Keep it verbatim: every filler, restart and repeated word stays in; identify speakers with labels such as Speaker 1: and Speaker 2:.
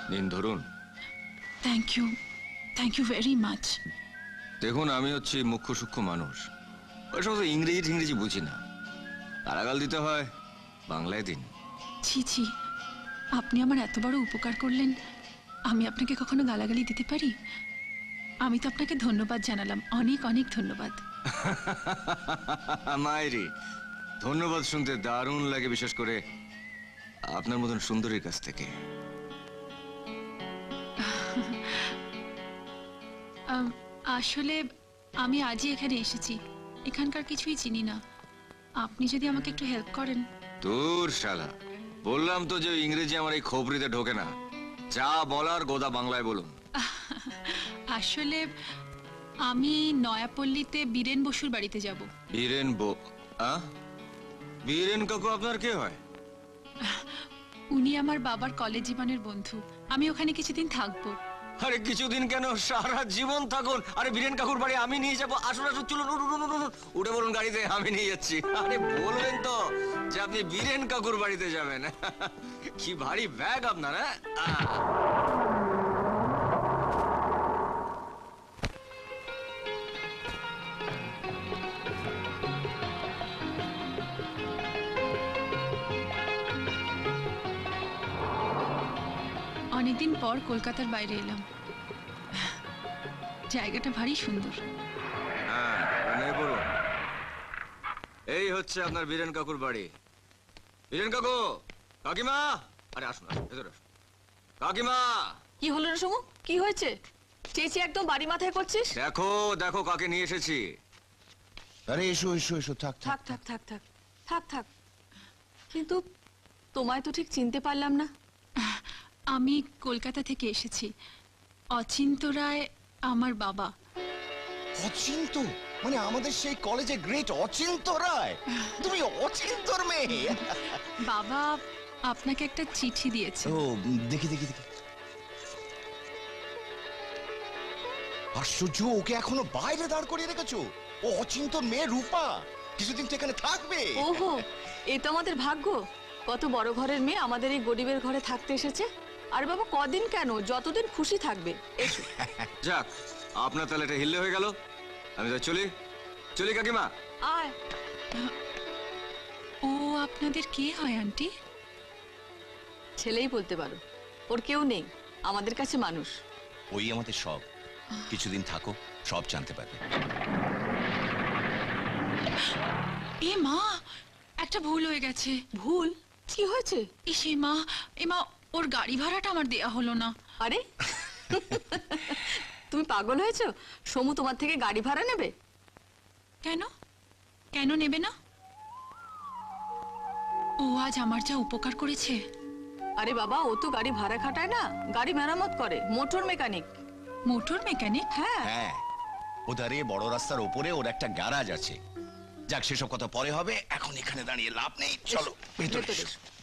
Speaker 1: নিন ধরুন।
Speaker 2: Thank you, thank you very much.
Speaker 1: দেখুন, আমি হচ্ছি মুখ্য সূক্ষ্ম মানুষ, ওই সমস্ত ইংরেজি টিংরেজি বুঝি না। গালাগাল দিতে হয় বাংলায় দিন।
Speaker 2: ছি ছি, আপনি আমার এত বড় উপকার করলেন, আমি আপনাকে কখনো গালাগালি দিতে পারি? আমি তো আপনাকে ধন্যবাদ জানালাম, অনেক অনেক ধন্যবাদ।
Speaker 1: মায়েরি, ধন্যবাদ শুনতে দারুণ লাগে, বিশেষ করে আপনার মতন সুন্দরীর কাছ থেকে।
Speaker 2: আম, আসলে আমি আজই এখানে এসেছি, এখানকার কিছুই চিনি না। আপনি যদি আমাকে একটু হেল্প করেন।
Speaker 1: তোর শালা, বললাম তো যে ইংরেজি আমার এই খবরিতে ঢোকে না। যা বলার গোদা বাংলায় বলুন।
Speaker 2: আসলে আমি নয়াপল্লীতে বীরেন বসুর বাড়িতে যাব।
Speaker 1: বীরেন বো আ? বীরেন কাকু আপনার কে হয়?
Speaker 2: উনি আমার বাবার কলেজ জীবনের বন্ধু। আমি ওখানে কিছুদিন থাকবো।
Speaker 1: আরে কিছুদিন কেন, সারা জীবন থাকুন। আরে বীরেন কাকুর বাড়ি আমি নিয়ে যাবো। আসুন আসুন, চলুন, উঠুন, উঠুন, উঠুন। উঠে বলুন গাড়িতে, আমি নিয়ে যাচ্ছি। আরে বলবেন তো যে আপনি বীরেন কাকুর বাড়িতে যাবেন। কি ভারী ব্যাগ আপনার। হ্যাঁ,
Speaker 2: অনেকদিন পর কলকাতার বাইরে এলাম, জায়গাটা ভারী সুন্দর।
Speaker 1: হ্যাঁ, নেমে পড়ুন। এই হচ্ছে আপনার বীরেন কাকুর বাড়ি। বীরেন কাকু, কাকিমা, আরে আসুন আসুন, ভেতরে আসুন। কাকিমা,
Speaker 3: কি হলো রে সমু? কি হয়েছে? চেঁচিয়ে একদম বাড়ি মাথায় করছিস?
Speaker 1: দেখো দেখো কাকে নিয়ে এসেছি।
Speaker 4: আরে এসো এসো এসো, থাক
Speaker 3: থাক থাক থাক থাক থাক থাক। কিন্তু তোমায় তো ঠিক চিনতে পারলাম না।
Speaker 2: আমি কলকাতা থেকে এসেছি। অচিন্ত রায় আমার বাবা।
Speaker 4: অচিন্ত মানে আমাদের সেই কলেজে গ্রেট অচিন্ত রায়? তুমি অচিন্তর মেয়ে?
Speaker 2: বাবা আপনাকে একটা চিঠি দিয়েছে।
Speaker 4: ও দেখি দেখি দেখি। আশ্চর্য, ওকে এখনো বাইরে দাঁড় করিয়ে রেখেছো? ও অচিন্তর মেয়ে রূপা কিছুদিন তো এখানে থাকবে।
Speaker 3: ওহো, এ তো আমাদের ভাগ্য। কত বড় ঘরের মেয়ে আমাদের এই গরিবের ঘরে থাকতে এসেছে। আর বাবা কদিন কেন, যতদিন খুশি থাকবে। এসো।
Speaker 1: যাক, আপনার তাহলে এটা হিল্লে হয়ে গেল। আমি তো চলি চলি কাকিমা।
Speaker 3: আয়।
Speaker 2: ও আপনাদের কে হয় আন্টি?
Speaker 3: ছেলেই বলতে পারো, ওর কেউ নেই, আমাদের কাছে মানুষ।
Speaker 4: ওই আমাদের সব। কিছুদিন থাকো, সব জানতে পারবে।
Speaker 2: এ মা, একটা ভুল হয়ে গেছে।
Speaker 3: ভুল? কি হয়েছে?
Speaker 2: ইসে মা, এ মা, ওর গাড়ি ভাড়াটা আমার দেয়া হলো না।
Speaker 3: আরে তুমি পাগল হয়েছো? সমু তোমার থেকে গাড়ি ভাড়া নেবে?
Speaker 2: কেন কেন নেবে না? ও আজ আমার যা উপকার করেছে।
Speaker 3: আরে বাবা, ও তো গাড়ি ভাড়া খাটায় না, গাড়ি মেরামত করে, মোটর মেকানিক।
Speaker 2: Motor mechanic?
Speaker 3: হ্যাঁ
Speaker 4: হ্যাঁ, ওধারে বড় রাস্তার ওপরে ওর একটা গ্যারাজ আছে। যাক, সেসব কথা পরে হবে, এখন এখানে দাঁড়িয়ে লাভ নেই। চলো ভেতরে
Speaker 3: ভেতরে
Speaker 4: এসো।
Speaker 3: এসো।